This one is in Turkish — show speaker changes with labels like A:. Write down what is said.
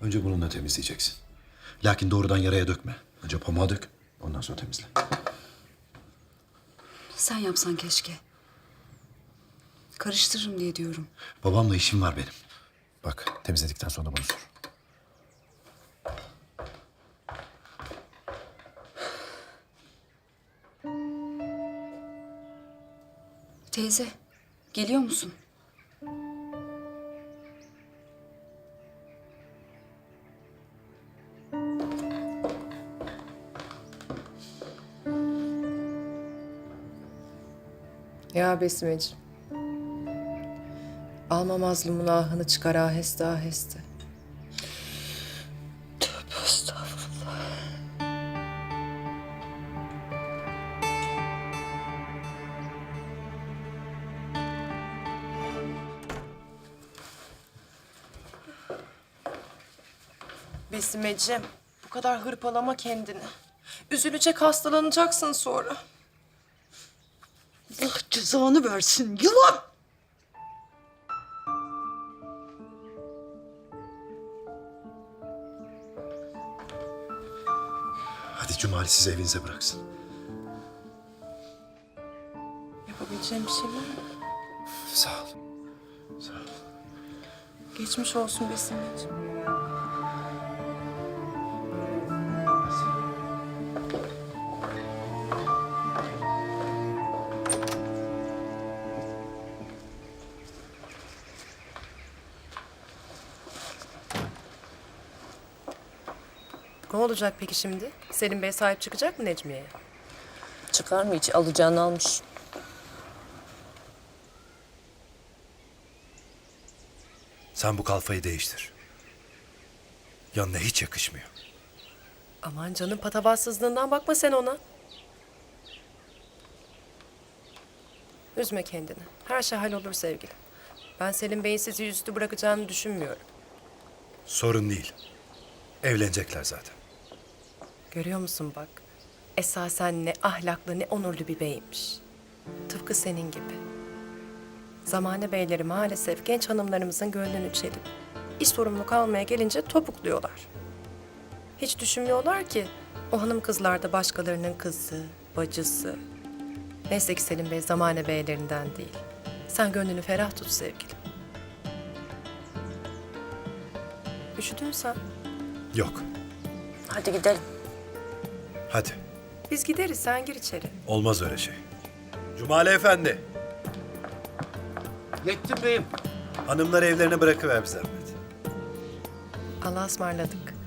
A: Önce bununla temizleyeceksin. Lakin doğrudan yaraya dökme. Önce pamuğa dök, ondan sonra temizle.
B: Sen yapsan keşke. Karıştırırım diye diyorum.
A: Babamla işim var benim. Bak, temizledikten sonra bana sor.
B: Teyze, geliyor musun?
C: Ya Besimeciğim. Alma mazlumun ahını çıkar aheste aheste. Tövbe estağfurullah. Besimeciğim, bu kadar hırpalama kendini. Üzülecek, hastalanacaksın sonra.
D: Allah cezanı versin yılan!
A: Hadi Cumali sizi evinize bıraksın.
C: Yapabileceğim bir şey var mı?
A: Sağ ol. Sağ ol.
C: Geçmiş olsun Besimeciğim. Ne olacak peki şimdi? Selim Bey sahip çıkacak mı Necmiye'ye?
E: Çıkar mı hiç? Alacağını almış.
F: Sen bu kalfayı değiştir. Yanına hiç yakışmıyor.
C: Aman canım, patavatsızlığından bakma sen ona. Üzme kendini. Her şey hallolur sevgilim. Ben Selim Bey'in sizi yüzüstü bırakacağını düşünmüyorum.
F: Sorun değil. Evlenecekler zaten.
C: Görüyor musun bak? Esasen ne ahlaklı ne onurlu bir beymiş. Tıpkı senin gibi. Zamane beyleri maalesef genç hanımlarımızın gönlünü çelip iş sorumluluk almaya gelince topukluyorlar. Hiç düşünmüyorlar ki o hanım kızlar da başkalarının kızı, bacısı. Neyse ki Selim Bey zamane beylerinden değil. Sen gönlünü ferah tut sevgilim. Üşüdün sen.
F: Yok.
E: Hadi gidelim.
F: Hadi.
C: Biz gideriz, sen gir içeri.
F: Olmaz öyle şey. Cumali Efendi.
G: Yettim beyim.
F: Hanımları evlerine bırakıver bir zahmet.
C: Allah'a ısmarladık.